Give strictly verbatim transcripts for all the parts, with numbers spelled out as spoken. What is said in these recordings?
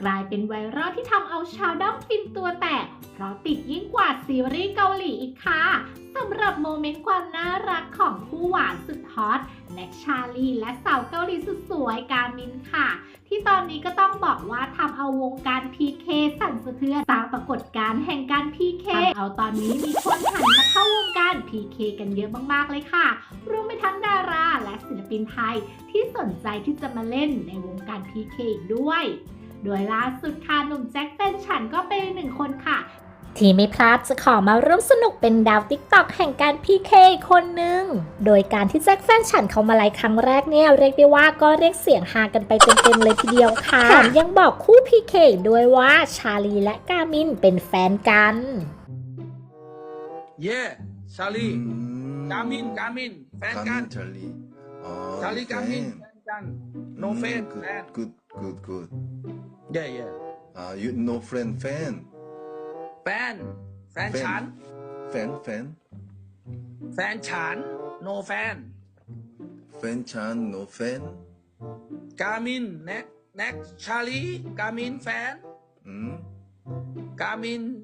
กลายเป็นไวรัลที่ทำเอาชาวด้อมฟินตัวแตกเพราะติดยิ่งกว่าซีรีส์เกาหลีอีกค่ะสำหรับโมเมนต์ความน่ารักของคู่หวานสุดฮอตแน็กชาลีและสาวเกาหลีสุดสวยกามินค่ะที่ตอนนี้ก็ต้องบอกว่าทำเอาวงการ พี เค สั่นสะเทือนสร้างปรากฏการณ์แห่งการ พี เค ทำเอาตอนนี้มีคนหันมาเข้าวงการ พี เค กันเยอะมากๆเลยค่ะรวมไปทั้งดาราและศิลปินไทยที่สนใจที่จะมาเล่นในวงการ พี เค อีกด้วยโดยล่าสุดค่ะหนุ่มแจ็คแฟนฉันก็เป็นหนึ่งคนค่ะที่ไม่พลาดจะขอมาร่วมสนุกเป็นดาวติ๊กต็อกแห่งการ พี เค คนหนึ่งโดยการที่แจ็คแฟนฉันเขามาไลฟ์ครั้งแรกเนี่ยเรียกได้ว่าก็เรียกเสียงฮากันไปเต็มๆเลยทีเดียวค่ะแถมยังบอกคู่ พี เค ด้วยว่าชาลีและกามินเป็นแฟนกันเย่ชาลีอืมกามินกามินแฟนกันชาลีอ๋อชาลีกามินแฟนกัน no friend แฟน good good good เย่เย่อ่า you no friend fan แฟนแฟนฉัน fan fan แฟนฉัน no แฟน fan ฉัน no fan กามินแน็กแน็กชาลีกามินแฟนอืมกามิน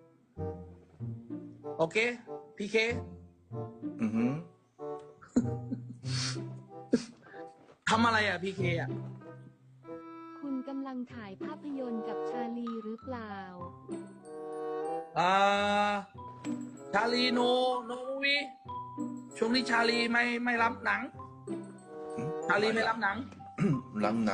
โอเคพีเคอือหือทำอะไรอ่ะพีเคอ่ะคุณกำลังถ่ายภาพยนตร์กับชาลีหรือเปล่าอ่าชาลีโนโนมูวีช่วงนี้ชาลีไม่ไม่รับหนัง ชาลีไม่รับหนังหลังน้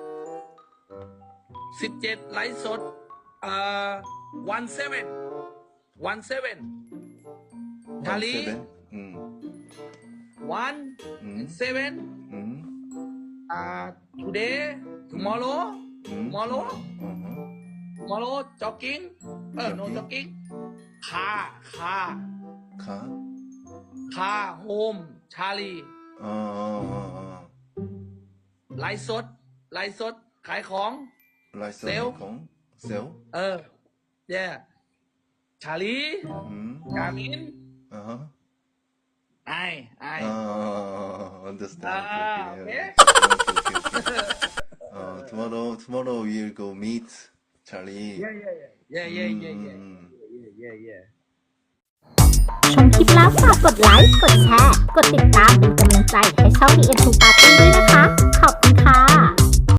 สิบเจ็ดไลฟ์สดเอ่อวันเซเว่นวันเซเว่นำชาลีอืมวันอืมเซเว่นอืมอ่า today tomorrow อืม tomorrow อือหือ tomorrow jogging เออ no jogging คาคาค่ะคาโฮมชาลีอ๋ออ๋ออ๋ออ๋อไลฟ์สดไลฟ์สดขายของไลฟ์สดเซลล์ของเซลล์เออ yeah ชาลีอืมกามินอ่าฮะไอไออ่า understand Ah, okay, okay. okay, okay, okay. uh, tomorrow tomorrow we'll go meet Charlie yeah yeah yeah yeah yeah yeah อืม yeah yeah yeah ชมคลิปแล้วฝากกดไลค์ กดแชร์ กดติดตามเป็นกำลังใจให้ช่อง ดี เอ็น ทู Party ด้วยนะคะ ขอบคุณค่ะ